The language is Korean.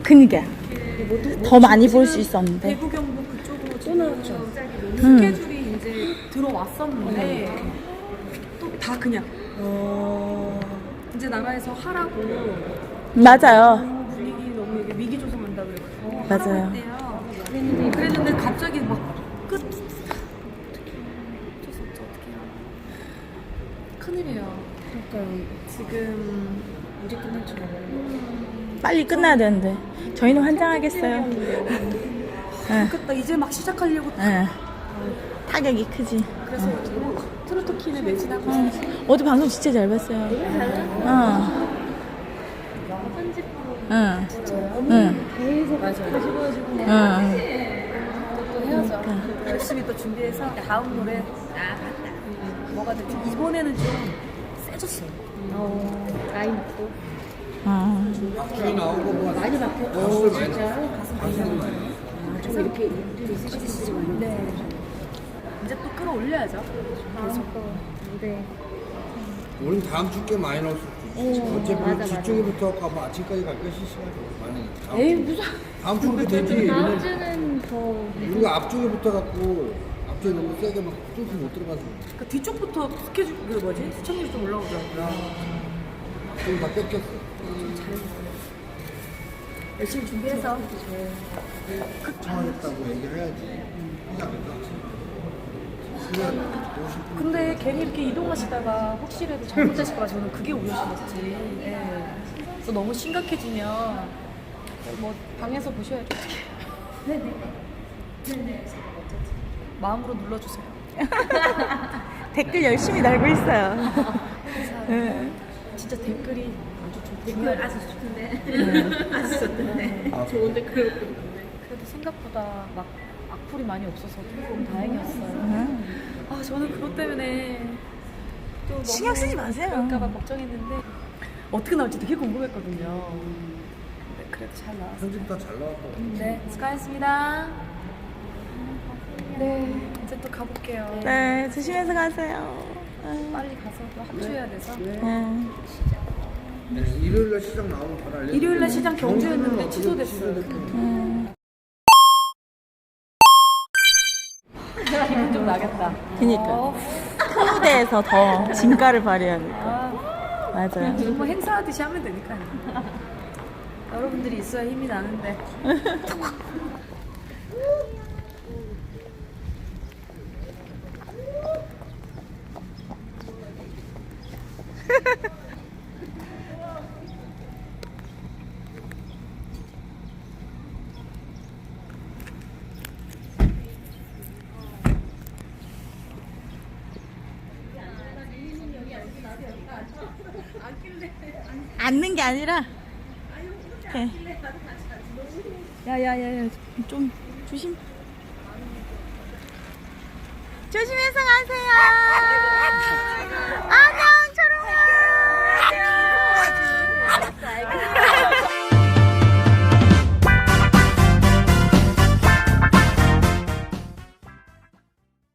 그니까 더 많이 볼 수 있었는데. 대구 경북 그쪽으로 지금 스케줄이 이제 들어왔었는데 또 다 그냥 이제 나라에서 하라고 맞아요. 분위기 너무 이게 위기 조성한다 그래가지고 맞아요. 하라고 했대요. 그랬는데 갑자기 막 끝. 어쩔 수 없죠. 어떡해요. 큰일이에요. 그러니까 지금 언제 끝날 줄 알아요. 빨리 끝나야 되는데 저희는 환장하겠어요. 응. 좋겠다. 이제 막 시작하려고 응. 타격이 크지. 그래서 트로트 키를 매진하고 응. 어제 방송 진짜 잘 봤어요. 응. 응. 응. 계속 다시 보여주고 응. 또 해야죠. 열심히 또 준비해서 다음 노래 뭐가 될지 이번에는 좀 세졌어요. 나이 먹고 응. 나오고 뭐 많이 바뀌어. 진짜 그래서 이렇게 있으시지 말고. 네. 이제 또 끌어올려야죠. 무대 우린 다음 주께 많이 나올 수 있지. 어차피 뒤쪽에부터 가면 아침까지 갈 것이 시간이 많으니까. 에이 무슨 다음 주는 되지. 다음 왜냐면 주는 더 우리가 앞쪽에부터 갖고 앞쪽에 너무 세게 막 뚫고 못 들어가서 그 뒤쪽부터 스케줄 그 뭐지 시청률이 좀 올라오더라고요. 좀 다 뺏겼어. 열심히 준비해서 청하겠다고 얘기를 해야지. 하지 않을까? 근데 괜히 이렇게 이동하시다가 혹시라도 잘못되실까 저는 그게 우려스럽지. 네. 또 너무 심각해지면 뭐 방에서 보셔야죠. 네네. 마음으로 눌러주세요. 댓글 열심히 달고 있어요. 응. 진짜 댓글이 아주 댓글 아주 좋던데. 아주 좋던데. 좋은 댓글. 그래도 생각보다 막 악플이 많이 없어서 조금 다행이었어요. 응. 아 저는 그것 때문에 또 너무 신경 쓰지 마세요. 그럴까봐 걱정했는데 어떻게 나올지 되게 궁금했거든요. 근데 그래도 잘 나왔어요. 편집 다 잘 나왔고. 네, 수고하셨습니다. 네, 이제 또 가볼게요. 네, 조심해서 가세요. 빨리 가서 또 합주해야 돼서. 응. 네, 일요일날 시장 나오면 바로 알려드릴게요. 일요일날 시장 경주였는데 취소됐어요. 기분 좀 나겠다. 그니까 큰 무대에서 더 진가를 발휘해야 돼. 아, 맞아요. 정말 행사하듯이 하면 되니까요. 여러분들이 있어야 힘이 나는데. 앉는 게 아니라 이렇게. 야야야야, 좀 조심. 조심해서 가세요.